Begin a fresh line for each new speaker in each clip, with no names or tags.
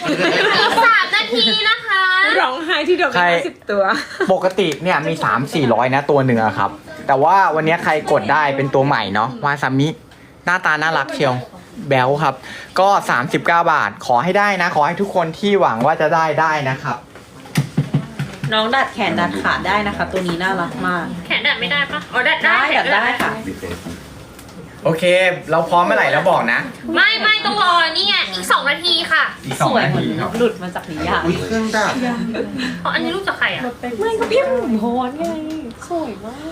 อีก3 นาทีนะคะ
ร้องไห้ที่เดียวกัน50 ตัว
ปกติเนี่ยมี 3-400 นะตัวหนึ่งอะครับ แต่ว่าวันนี้ใครกดได้เป็นตัวใหม่เนาะวาซามิหน้าตาน่ารักเชียวแบลครับ ก็ 39 บาทขอให้ได้นะ ขอให้ทุกคนที่หวังว่าจะได้นะครับ
น้องดัดแขนดัดขาได้นะคะ ตัวนี้น่ารักมาก
แขนดัดไม่ได้ปะอ๋อดัด
ได้
แข
ดั
น
ดได้ค่ะ
โอเค เราพร้อมเมื่อไหร่แล้วบอกนะ
ไม่ต้องรอนี่ไงอีก2 นาทีค่ะ
อีก
สวย
2 นา
เหมือน
ทีครับ
หลุดมาจากนิยาย
อุ้ยเครื่องดับ
เพราะอันนี้รูปจากใครอ่ะ
ไม่ก็พี่หมุนโฮนไงสวยมาก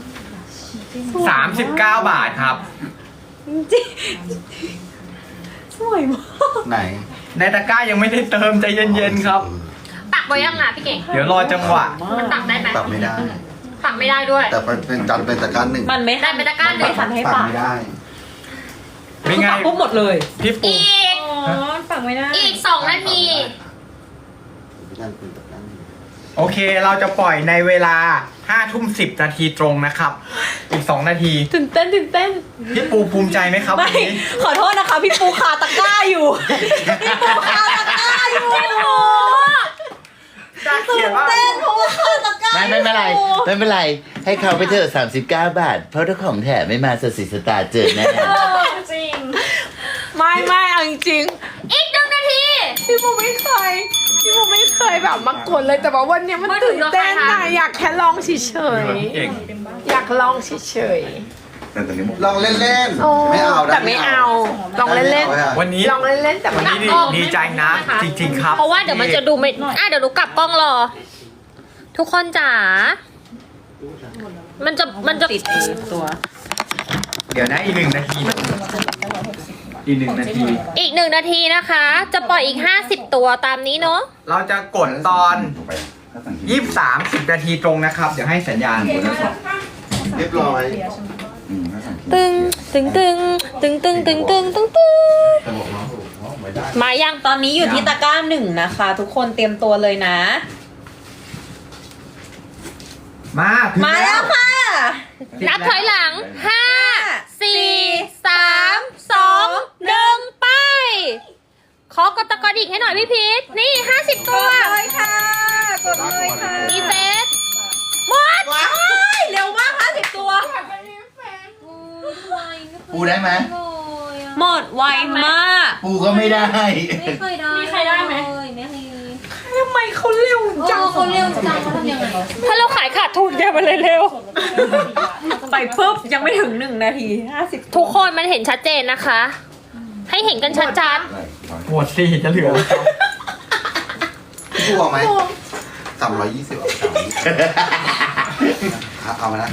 39 บาทครับ
จริงสวยมาก
ไหน
ในตะกร้ายังไม่ได้เติมใจเย็นๆครับ
ตักไว้ยังอ่ะพี่เก่ง
เดี๋ยวรอจังหวะ
มันตักได้ไหม
ปรับไม่ได้
ตักไม่ได้ด้วย
แต่เป็นจันเป็นตะการหนึ่ง
มันไม่
ได้เป็นตะกร้าหนึ่ง
ไม่ทันให้
ปรับ
ปาก
ไม่ได้
ไม่ไง
ปักปุ๊บหมดเลย
พี่ปู
อีก
ปักไม่ได้
อีก2 นาที
จันเป็นตะการหนึ่ง
โอเคเราจะปล่อยในเวลา 5 ทุ่ม 10 นาทีตรงนะครับ อีก 2 นาที
ตื่นเต้น
พี่ปูภูมิใจไหมครับ
ไม่
วันนี้
ขอโทษนะคะ พี่ปูคาตะกร้าอยู่ พี่ปูคาตะกร้าอยู่
ได้เขียนว่า
เต้นเพราะว่าคาตะกร้า
ไม่เป็นไรไม่เป็นไร ให้เขาไปเถอะ39 บาท เพราะถ้าของแถมไม่มาสสิสตาร์เจอแน่
จริงไม่เอาจริง
อีก1 นาที
พี่ปูไม่เคยแบบมากดเลยแต่ว่าวันเนี้ยมันตื่นเต้นนะอยากแค่ลองเฉย
เก่ง
ๆอยากลองเฉย
ลองเล่น
ๆโอ้
ๆไม่เอา
แต่ไม่เอาลองเล่น
วันนี้
ๆลองเล่นๆแต่
วัน
ไม่
นี้
เอา
ดีใจนะ จริงๆครับ
เพราะว่าเดี๋ยวมันจะดูไม่เดี๋ยวหนูกลับกล้องรอ ทุกคนจ๋า มันจะ
ติดตัว
เดี๋ยวนะอีก 1 นาที อีก 1 นาที
อีก1 นาทีนะคะ จะปล่อยอีก50 ตัวตามนี้เนาะ
เราจะกดตอน 23-10 นาทีตรงนะครับ เดี๋ยวให้สัญญาณ
เรียบร้อย
ตึงมายัง
ตอนนี้อยู่ที่ตะกร้า1นะคะ ทุกคนเตรียมตัวเลยนะ
มาถึง
มาแล้วค่ะ
นับถอยหลัง 5 4 3 2 1 ไป ขอกดตะกอนอีกให้หน่อยพี่พีทนี่ 50 ตัว
เลยค่ะ กดเลยค่ะ
ดีเฟสหมด
ว้ายเร็วมาก50 ตัว
ปูได้ไหม
หมดไวมาก
ปูก็ไม่ได้
ไม่เคยได้
มีใครได้ไหม
ไม่เคย
ทำไมเขาเร็วจัง
เขาเร็วจังเขาทำยังไง
ถ้าเราขายขาดทุนแกมันเลยเร็ว
ไปปุ๊บยังไม่ถึง1 นาที50
ทุกคนมันเห็นชัดเจนนะคะ ให้เห็นกันชัด
หมดสิจะเหลืออะไรครับ
พี่พูเอาไหม320เอามานะ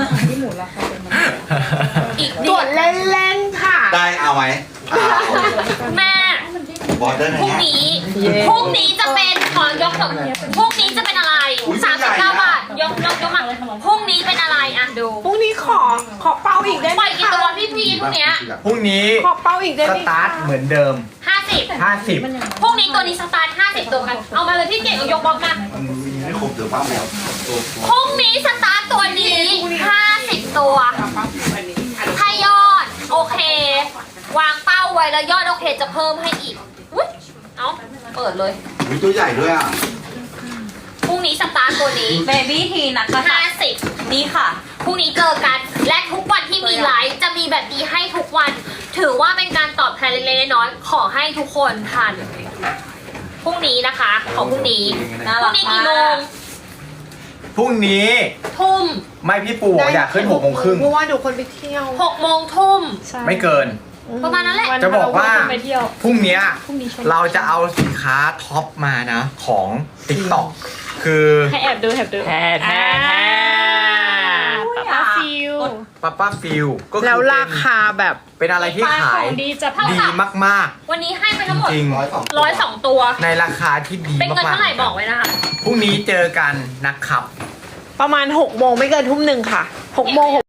ๆ อีก
กดเล่นๆค่ะ
ได้เอาไหมเอา
แม่
บอสได้ไหม
พรุ่งนี้พรุ่งนี้จะเป็นขอยกถึงพรุ่งนี้จะเป็นอะไร39 บาทยกมาพรุ่งนี้เป็นอะไรอ่ะดู
พรุ่งนี้ขอเป้าอีกได้ไห
ป
ม
ล่อยกี่ตัวพี่พีพรุ่งเนี้ย
พรุ่งนี้
ขอเป้าอีกได้
ส
ไหม
ตาร์ทเหมือนเดิม
50พรุ่งนี้ตัวนี้สตาร์ท50 ตัวกันเอามาเลยพี่เก่งเอายกบล็อกมา
ไม่ครบเดี๋ยวป้าแล้ว
พรุ่งนี้สตาร์ทตัวนี้50 ตัวถ้ายอดโอเค วางเป้าไว้แล้วยอดโอเคจะเพิ่มให้อีกอุ๊ยเอาเปิดเลย
มีตัวใหญ่ด้วยอ่ะ
พรุ่งนี้สตาร์ทตัวนี้
เบบี้ทีนะคะ
50
นี่ค่ะ
พรุ่งนี้เจอกัน และทุกวันที่มีไลฟ์จะมีแบบนี้ให้ทุกวัน ถือว่าเป็นการตอบแทนเล็กๆน้อยๆขอให้ทุกคนทันพรุ่งนี้นะคะ ของพรุ่งนี้
น่า
พ
รั
รุ่
ก
งนี้
มาก
กี่โมง
พรุ่งนี้
ทุ่ม
ไม่พี่ปูอยากขึ้น6 โมงครึ่ง
เพราะว่าเดี๋ยวคนไปเที่ยว
6 โมงทุ่ม
ไม่เกิน
ประมาณนั้นแหละ
จะบอกว่า
ไปเที่ยว
พรุ่งเนี้ยเราจะเอาสินค้าท็อปมานะ ของ TikTok คือ
ให้แอบดูแอบดู
แท้ป้าป้าฟิลก็คือ
แล้วราคาแบบ
เป็นอะไรที่ขายดีมาก
วันนี้ให้ไปทั้งหมด
จริง
102 ตัว
ๆ ในราคาที่ดี
เป็นเงิน
มาก
เท่าไหร่บอกไว้นะคะ
ๆพรุ่งนี้เจอกันนะครับ
ประมาณ6 โมงไม่เกินทุ่ม 1ค่ะ6 โมง